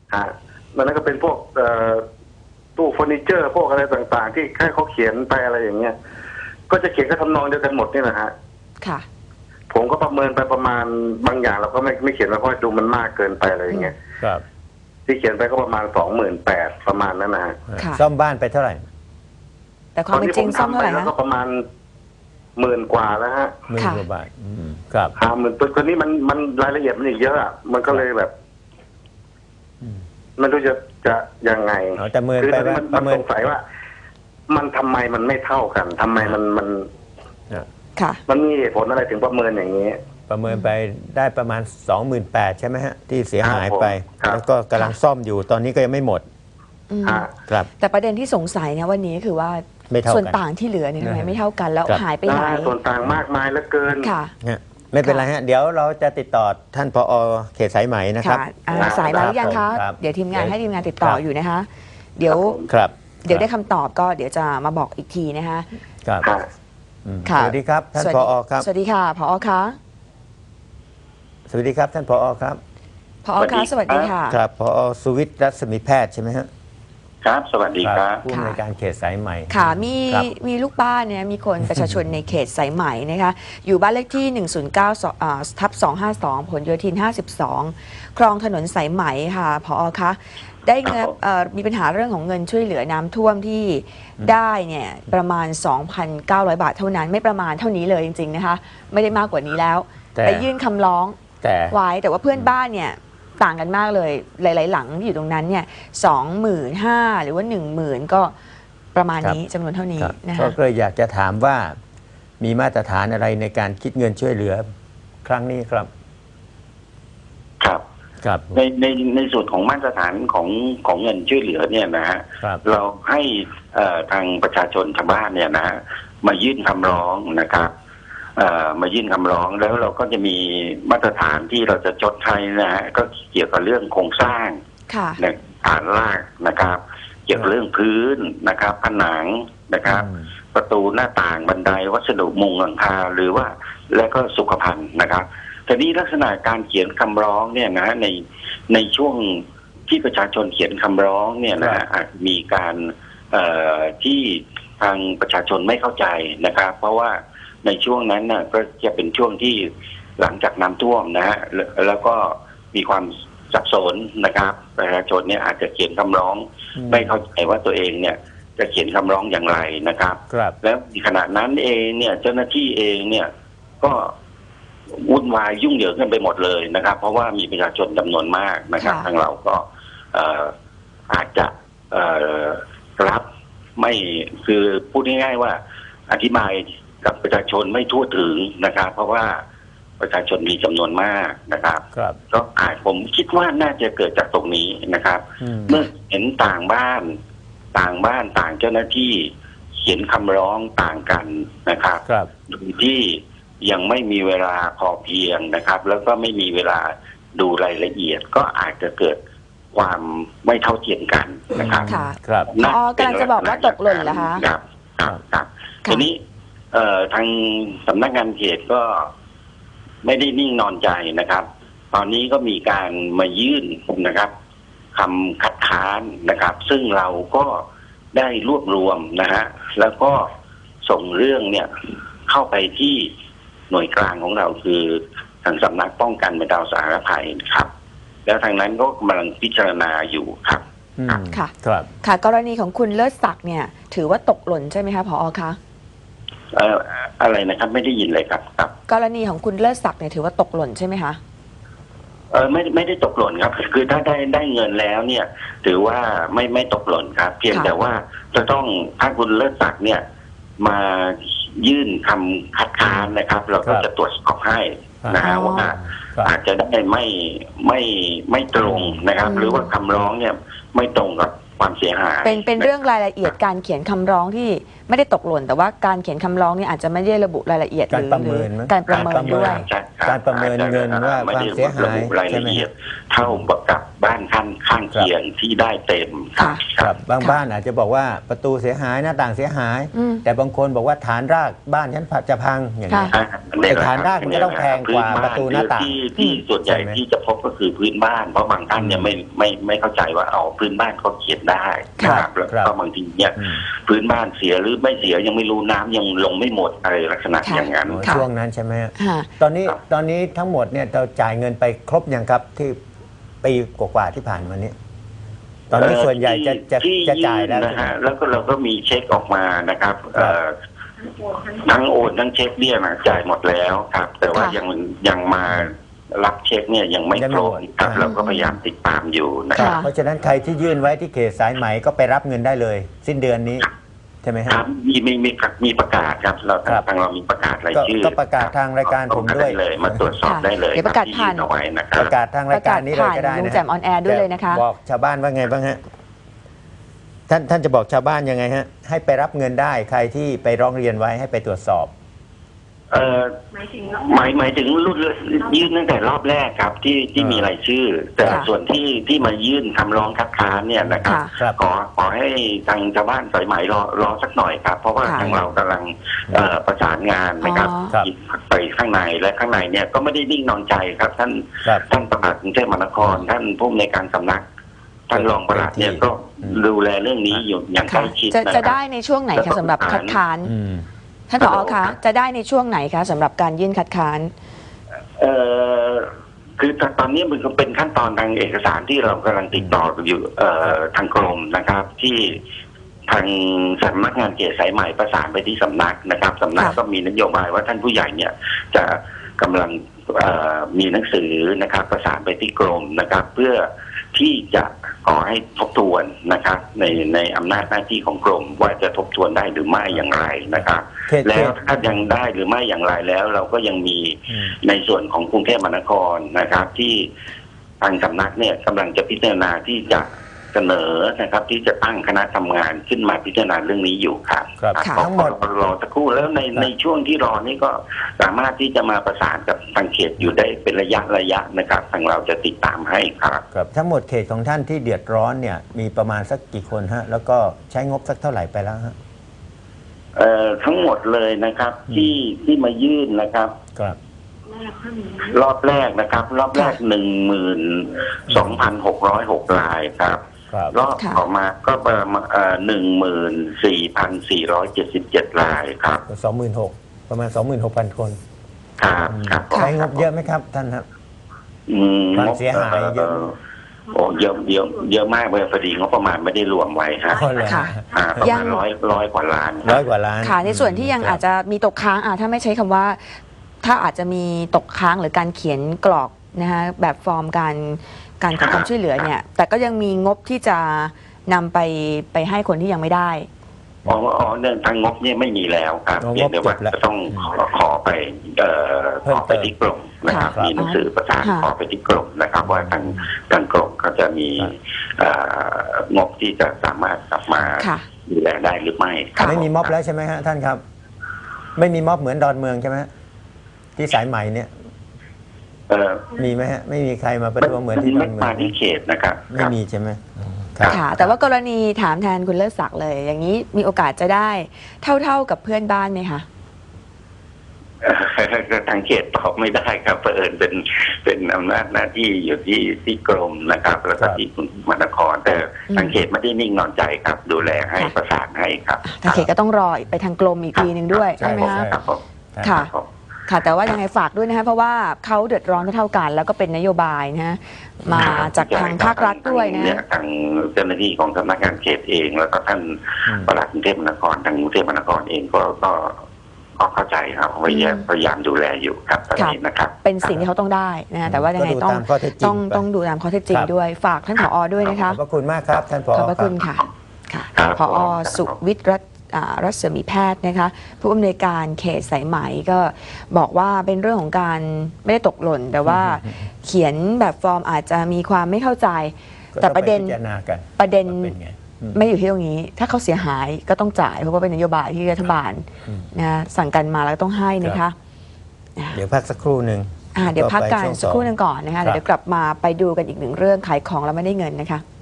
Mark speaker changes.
Speaker 1: ฮะมันก็เป็นพวกตู้เฟอร์นิเจอร์พวกอะไรต่างๆที่แค่เขาเขียนไปอะไรอย่างเงี้ยก็จะเขียนก็ทำนองเดียวกันหมดนี่แหละฮะ
Speaker 2: ค่ะ
Speaker 1: ผมก็ประเมินไปประมาณบางอย่างเราก็ไม่เขียนมาเพราะดูมันมากเกินไปอะไรอย่างเงี้ย
Speaker 3: ครับ
Speaker 1: ที่เขียนไปก็ประมาณ28,000ประมาณนั้นนะฮะ
Speaker 3: ซ่อมบ้านไปเท่าไหร่
Speaker 2: แต่ความเป็นจริงซ่อมเท่าไหร่
Speaker 1: แล้วก็ประมาณ10,000 กว่าแล้วฮะ
Speaker 3: 10,000 กว่าบาทครับ
Speaker 1: 50,000ตัวนี้มันรายละเอียดมันอีกเยอะอะมันก็เลยแบบมันรู้จะยังไง
Speaker 3: แต่เมินไป
Speaker 1: มันสงสัยว่ามันทำไมมันไม่เท่ากันทำไมมัน
Speaker 2: ค่ะ
Speaker 1: มันมีเหตุผลอะไรถึงประเมินอย่างนี้
Speaker 3: ประเมินไปได้ประมาณ28,000ใช่ไหมฮะที่เสียหายไปแล้วก็กำลังซ่อมอยู่ตอนนี้ก็ยังไม่หมดครับ
Speaker 2: แต่ประเด็นที่สงสัยเนี่ยวันนี้คือว่าส่วนต่างที่เหลือเนี่ยทำไมไม่เท่ากันแล้วหายไปไหน
Speaker 1: ส่วนต่างมากมายเหลือเกิน
Speaker 2: ค่ะ
Speaker 3: ไม่เป็นไรฮะเดี๋ยวเราจะติดต่อท่านผอ.เขตสายไหมนะครับ
Speaker 2: สายมาหรือยังคะเดี๋ยวทีมงานให้ทีมงานติดต่ออยู่นะคะเดี๋ยวได้คำตอบก็เดี๋ยวจะมาบอกอีกทีนะคะ
Speaker 3: ครับสวัสดีครับท่านผอ.ครับ
Speaker 2: สวัสดีค่ะผอ.คะ
Speaker 3: สวัสดีครับท่านผอ.ครับ
Speaker 2: ผอ.คะสวัสดีค่ะ
Speaker 3: ครับผอ.สุวิทย์รัศมีแพทย์ใช่ไหมฮะ
Speaker 1: ครับสวัสดีครับ
Speaker 3: ผู้อำนวยการเขตสายไหม
Speaker 2: ค่ะมีลูกบ้านเนี่ยมีคนประชาชนในเขตสายไหมนะคะอยู่บ้านเลขที่109/252ผลโยธิน52คลองถนนสายไหมค่ะผอ.คะได้เงินมีปัญหาเรื่องของเงินช่วยเหลือน้ำท่วมที่ได้เนี่ยประมาณ 2,900 บาทเท่านั้นไม่ประมาณเท่านี้เลยจริงๆนะคะไม่ได้มากกว่านี้แล้วไปยื่นคำร้องไว้แต่ว่าเพื่อนบ้านเนี่ยต่างกันมากเลยหลายๆหลังที่อยู่ตรงนั้นเนี่ย25,000หรือว่า10,000ก็ประมาณนี้จำนวนเท่านี้นะคะ
Speaker 3: ก็เลยอยากจะถามว่ามีมาตรฐานอะไรในการคิดเงินช่วยเหลือครั้งนี้ครับ
Speaker 1: ครับในส่วนของมาตรฐานของเงินช่วยเหลือเนี่ยนะฮะเราให้ทางประชาชนชาวบ้านเนี่ยนะมายื่นคำร้องนะครับมายื่นคำร้องแล้วเราก็จะมีมาตรฐานที่เราจะชดใช้นะฮะก็เกี่ยวกับเรื่องโครงสร้างฐานรากนะครับเกี่ยวกับเรื่องพื้นนะครับผนังนะครับประตูหน้าต่างบันไดวัสดุมุงหลังคาหรือว่าและก็สุขภัณฑ์นะครับแต่นี้ลักษณะการเขียนคำร้องเนี่ยนะในช่วงที่ประชาชนเขียนคำร้องเนี่ยนะอาจมีการที่ทางประชาชนไม่เข้าใจนะครับเพราะว่าในช่วงนั้นน่ะก็จะเป็นช่วงที่หลังจากน้ำท่วมนะฮะแล้วก็มีความสับสนนะครับประชาชนเนี่ยอาจจะเขียนคำร้องไม่เข้าใจว่าตัวเองเนี่ยจะเขียนคำร้องอย่างไรนะครับแล้วในขณะนั้นเองเนี่ยเจ้าหน้าที่เองเนี่ยก็วุ่นวายยุ่งเหยิงกันไปหมดเลยนะครับเพราะว่ามีประชาชนจำนวนมากนะครับทางเราก็อาจจะรับไม่คือพูดง่ายๆว่าอธิบายกับประชาชนไม่ทั่วถึงนะครับเพราะว่าประชาชนมีจำนวนมากนะครับก็ผมคิดว่าน่าจะเกิดจากตรงนี้นะครับเมื่อเห็นต่างบ้านต่างเจ้าหน้าที่เขียนคำร้องต่างกันนะครับโดยที่ยังไม่มีเวลาพอเพียงนะครับแล้วก็ไม่มีเวลาดูรายละเอียดก็อาจจะเกิดความไม่เท่าเทียมกันนะครับ
Speaker 3: ครับ
Speaker 2: กำลังจะบอกว่าตกหล่นเหรอคะ
Speaker 1: ครับทีนี้ทางสำนักงานเขตก็ไม่ได้นิ่งนอนใจนะครับตอนนี้ก็มีการมายื่นนะครับคำคัดค้านนะครับซึ่งเราก็ได้รวบรวมนะฮะแล้วก็ส่งเรื่องเนี่ยเข้าไปที่หน่วยกลางของเราคือทางสำนักป้องกันบรรเทาสาธารณภัยครับแล้วทางนั้นก็กำลังพิจารณาอยู่ครับ
Speaker 2: ค่ะค่ะกรณีของคุณเลิศศักดิ์เนี่ยถือว่าตกหล่นใช่ไหมคะผอ.คะ
Speaker 1: อะไรนะครับไม่ได้ยินเลยครับ
Speaker 2: กรณีของคุณเลิศศักดิ์เนี่ยถือว่าตกหล่นใช่ไหมคะ
Speaker 1: ไม่ได้ตกหล่นครับคือถ้าได้เงินแล้วเนี่ยถือว่าไม่ตกหล่นครับเพียงแต่ว่าจะต้องถ้าคุณเลิศศักดิ์เนี่ยมายื่นคำคัดค้านนะครับเราก็จะตรวจสอบให้นะฮะว่าอาจจะได้ไม่ตรงนะครับหรือว่าคำร้องเนี่ยไม่ตรงกับความเสียหาย
Speaker 2: เป็นเรื่องรายละเอียดการเขียนคำร้องที่ไม่ได้ตกหล่นแต่ว่าการเขียนคำร้องเนี่ยอาจจะไม่ได้ระบุรายละเอียด
Speaker 3: การประเมิน
Speaker 2: ห
Speaker 3: ไหม
Speaker 2: รือการประเมินด้วย
Speaker 1: ใช่คบ
Speaker 3: การประเมินเงินว่า
Speaker 1: ไม่
Speaker 3: ความ
Speaker 1: ได้
Speaker 3: เสียหาย
Speaker 1: ระบุราย
Speaker 3: ใช่
Speaker 1: ละ
Speaker 3: ไหม
Speaker 1: เอียดเท่ากับบ้านข้างเคียงที่ได้เต็ม
Speaker 2: ค่ะ
Speaker 3: ครับบางบ้านอาจจะบอกว่าประตูเสียหายหน้าต่างเสียหาย
Speaker 2: อืม
Speaker 3: แต่บางคนบอกว่าฐานรากบ้านฉันจะพังอย่างนี้ย
Speaker 2: ค่ะ
Speaker 3: แต่ฐานรากมันก็ต้องแพงกว่าประตูหน้าต่าง
Speaker 1: ที่ส่วนใหญ่
Speaker 3: ใช่ไหม
Speaker 1: ที่จะพบก็คือพื้นบ้านเพราะบางท่านเนี่ยไม่เข้าใจว่าเอาพื้นบ้านเขาเขียนได้นะครับแล้วก็บางทีเนี่ย
Speaker 3: อืม
Speaker 1: พื้นบ้านเสียหรือไม่เสียยังไม่รู้น้ำยังลงไม่หมดอะไรลักษณะ
Speaker 2: ค่ะ
Speaker 1: อย่างนั้น
Speaker 2: ค่ะ
Speaker 3: ช่วงนั้นใช่ไหมฮะ
Speaker 2: ค่ะ
Speaker 3: ตอนนี้ทั้งหมดเนี่ยเราจ่ายเงินไปครบยังครับที่ปีกว่าๆที่ผ่านมานี้ ตอนนี้ส่วนใหญ่จะจ่ายแล้ว
Speaker 1: นะฮะแล้วก็เราก็มีเช็คออกมานะครับ
Speaker 3: ครับ
Speaker 1: ทั้งโอนทั้งเช็คเนี่ยนะจ่ายหมดแล้วครับ แต่ว่า
Speaker 2: ค่ะ
Speaker 1: ยังมารับเช็คเนี่ยยังไม่
Speaker 3: ยัง
Speaker 1: ค
Speaker 3: ไม่
Speaker 1: ร
Speaker 3: ห
Speaker 1: บ
Speaker 3: มด
Speaker 1: ครับ
Speaker 3: อ่า
Speaker 1: เราก็พยายามติดตามอยู่นะ
Speaker 3: ค
Speaker 1: ค
Speaker 3: รั
Speaker 1: รั
Speaker 3: บบ เพราะฉะนั้นใครที่ยื่นไว้ที่เขตสายไหมก็ไปรับเงินได้เลย สิ้นเดือนนี้ใช่ไหม
Speaker 1: ค
Speaker 3: ฮะ
Speaker 1: รับมีประกาศครับเรา
Speaker 3: ครับ
Speaker 1: ทางเรามีประกาศรายชื่อ
Speaker 3: ก็ประกาศทางรายการผมด้วย
Speaker 1: ได้เลยมาตรวจสอบ
Speaker 2: ค่ะ
Speaker 1: ได้เลย
Speaker 2: เดี๋ยวประกาศ
Speaker 1: ที่
Speaker 2: ผ่าน
Speaker 1: ยื่เอาไว้นะค
Speaker 3: ป
Speaker 1: รับ
Speaker 3: ระกาศทางรายการนี้เลยก็ได้
Speaker 2: ลุง
Speaker 3: นะ
Speaker 2: แจ่มออนแอร์ด้วยเลยนะคะ
Speaker 3: บอกชาวบ้านว่าไงบ้างฮะท่านจะบอกชาวบ้านยังไงฮะให้ไปรับเงินได้ใครที่ไปร้องเรียนไว้ให้ไปตรวจสอบ
Speaker 1: หมายถึงรุ่นยื่นตั้งแต่รอบแรกครับที่มีรายชื่อ แต่
Speaker 2: ค่ะ
Speaker 1: ส่วนที่มายื่นคำร้องคัดค้านเนี่ยนะครับ
Speaker 2: ค่ะ
Speaker 3: ครับ
Speaker 1: ขอให้ทางชาวบ้านสายไหมรอสักหน่อยครับ เพราะว่า
Speaker 2: ค่ะ
Speaker 1: ทางเรากำลังประสานงานนะครับ
Speaker 2: อ๋อ
Speaker 3: ครับ
Speaker 1: ไปข้างในและข้างในเนี่ยก็ไม่ได้นิ่งนอนใจครับ ท่าน
Speaker 3: ครับ
Speaker 1: ประหลัดกรุงเทพมหานคร ท่านผู้อำนวยการสำนัก ท่านรองปลัดเนี่ยก็ดูแลเรื่องนี้อยู่อย่างใก
Speaker 2: ค่ะ
Speaker 1: ล้ชิด
Speaker 2: จะ
Speaker 1: นะค
Speaker 2: จะ
Speaker 1: รับ
Speaker 2: ได้ในช่วงไหนคะสำหรับคัดค้าน
Speaker 3: อืม
Speaker 2: ท่านผอคะจะได้ในช่วงไหนคะสำหรับการยื่นคัดค้าน
Speaker 1: คือตอนนี้มันก็เป็นขั้นตอนทางเอกสารที่เรากำลังติดต่ออยู่ทางกรมนะครับ ที่ทางสำนักงานเขตสายใหม่ประสานไปที่สำนักนะครับสำนัก
Speaker 2: ค่ะ
Speaker 1: ก็มีนโยบายว่าท่านผู้ใหญ่เนี่ยจะกำลังมีหนังสือนะครับ ประสานไปที่กรมนะครับ เพื่อที่จะขอให้ทบทวนนะครับ ในอำนาจหน้าที่ของกรมว่าจะทบทวนได้หรือไม่อย่างไรนะครับ แล้วถ้ายังได้หรือไม่อย่างไรแล้ว เราก็ยังมี
Speaker 3: อืม
Speaker 1: ในส่วนของกรุงเทพมหานครนะครับ ที่ทางสำนักเนี่ยกำลังจะพิจารณาที่จะเสนอนะครับ ที่จะตั้งคณะทำงานขึ้นมาพิจารณาเรื่องนี้อยู่ครับ
Speaker 3: ครับ
Speaker 2: ค่ะ
Speaker 3: ทั้งหมด
Speaker 1: รอสักครู่แล้วในช่วงที่รอนี่ก็สามารถที่จะมาประสานกับทางเขตอยู่ได้เป็นระยะนะครับทางเราจะติดตามให้ครับ
Speaker 3: ครับทั้งหมดเขตของท่านที่เดือดร้อนเนี่ยมีประมาณสักกี่คนฮะแล้วก็ใช้งบสักเท่าไหร่ไปแล้วฮะ
Speaker 1: ทั้งหมดเลยนะครับ ที่มายื่นนะครับ
Speaker 3: ครับ
Speaker 1: รอบแรกนะครับ รอบแรก 12,606 รายครับ
Speaker 3: ครับ
Speaker 1: รอบต่อมาก็ประมาณ14,477 รายครับ
Speaker 3: 26,000ประมาณ 26,000 คน
Speaker 1: ครับครับ
Speaker 3: ใช้งบเยอะไหมครับท่านครับ ความเสียหายเยอะ
Speaker 1: โอ้เยอะมากเลยพอดีงบประมาณไม่ได้รวมไว้ครับ
Speaker 3: อ๋อเหรอ
Speaker 2: ค่ะ
Speaker 1: ประ
Speaker 2: ยั
Speaker 1: มาง ณร้อยกว่าล้าน
Speaker 3: ร้อยกว่าล้าน
Speaker 2: ค่ะในส่วนที่ยังอาจจะมีตกค้างถ้าไม่ใช้คำว่า ถ้าอาจจะมีตกค้างหรือการเขียนกรอกนะคะแบบฟอร์มการขอความช่วยเหลือเนี่ยแต่ก็ยังมีงบที่จะนำไปให้คนที่ยังไม่ได้
Speaker 1: เรื่องทางงบเนี่ยไม่มีแล้วครับ
Speaker 3: อ๋อ
Speaker 1: เพียงแต่ว่า
Speaker 3: งบจบแล้ว
Speaker 1: จะต้องขอไปขอไปที่กรมนะครับ
Speaker 3: ค่ะ
Speaker 1: มีหนังสือประสาน
Speaker 2: ค่ะ
Speaker 1: ขอไปที่กรมนะครับ ว่าทางกรมเขาจะมี
Speaker 3: ครับ
Speaker 1: งบที่จะสามารถกลับมา
Speaker 2: ค่ะ
Speaker 1: ดูแลได้หรือไม่ครับ
Speaker 3: ไม่มีม็อบแล้วใช่ไหมฮะท่านครับ ไม่มีม็อบเหมือนดอนเมืองใช่ไหมฮะที่สายใหม่เนี่ย มีไหมฮะไม่มีใครมาประท้วงเหมือนที่ด
Speaker 1: ไม่
Speaker 3: อนเมือง
Speaker 1: มาที่เขตนะครับ
Speaker 3: ไม่มีใช่ไหมครับ
Speaker 2: ค่ะ แต่ว่ากรณีถามแทนคุณเลิศศักดิ์เลย อย่างนี้มีโอกาสจะได้เท่ากับเพื่อนบ้านไหมคะ
Speaker 1: ทางเขตตอบไม่ได้ครับเผอิญเป็นอำนาจหน้าที่อยู่ที่กรมนะครับ แล้วก็ที่กรุงเทพมหานคร แต่ทางเขตไม่ได้นิ่งนอนใจครับ ดูแลให้
Speaker 2: ค่ะ
Speaker 1: ประสานให้ครับ
Speaker 2: ทางเขตก็ต้องรอไปทางกรมอีกทีหนึ่งด้วย
Speaker 3: ใช่
Speaker 2: ใช่ไหมคะ
Speaker 1: ครับผม
Speaker 2: ค่ะ
Speaker 1: รับผม
Speaker 2: ค่ะ แต่ว่ายังไงฝากด้วยนะคะเพราะว่าเขาเดือดร้อนเท่ากัน แล้วก็เป็นนโยบายนะฮะมาจากทางภาครัฐด้วยนะ
Speaker 1: เนี่ยทางเจ้าหน้าที่ของสำนักงานเขตเอง แล้วก็ท่านปลัดกรุงเทพมหานครทางกรุงเทพมหานครเองก็เข้าใจครับพยายามดูแลอยู่ครับตอนนี้นะครับ
Speaker 2: เป็นสิ่งที่เขาต้องได้นะฮะแต่ว่ายังไง
Speaker 3: ก็ดูตามข้อเท็จจริงไป
Speaker 2: ต้องดูตามข้อเท็จจริง
Speaker 3: ครับ
Speaker 2: ด้วยฝากท่านผอด้วยนะคะ
Speaker 3: ขอบพระคุณมากครับท่านผอ
Speaker 2: ขอบพระคุณ
Speaker 3: รับ
Speaker 2: ค่ะค่ะ
Speaker 1: ครับ
Speaker 2: ผอสุวิทย์รัศมีแพทย์นะคะผู้อำนวยการเขตสายไหมก็บอกว่าเป็นเรื่องของการไม่ได้ตกหล่น แต่ว่าเขียนแบบฟอร์มอาจจะมีความไม่เข้าใจ แต่ประเด็น
Speaker 3: ก็ต้องไปพิจารณากัน
Speaker 2: ประเด็น
Speaker 3: ว่าเป็นไง
Speaker 2: ไม่อยู่ที่ตรงนี้ ถ้าเขาเสียหายก็ต้องจ่ายเพราะว่าเป็นนโยบายที่รัฐบาลนะสั่งกันมาแล้วต้องให้นะคะ
Speaker 3: เดี๋ยวพักสักครู่หนึ่ง
Speaker 2: เดี๋ยวพักกันสักครู่หนึงก่อนนะคะ
Speaker 3: ครับ
Speaker 2: เดี๋ยวกลับมาไปดูกันอีกหนึ่งเรื่องขายของแล้วไม่ได้เงินนะคะ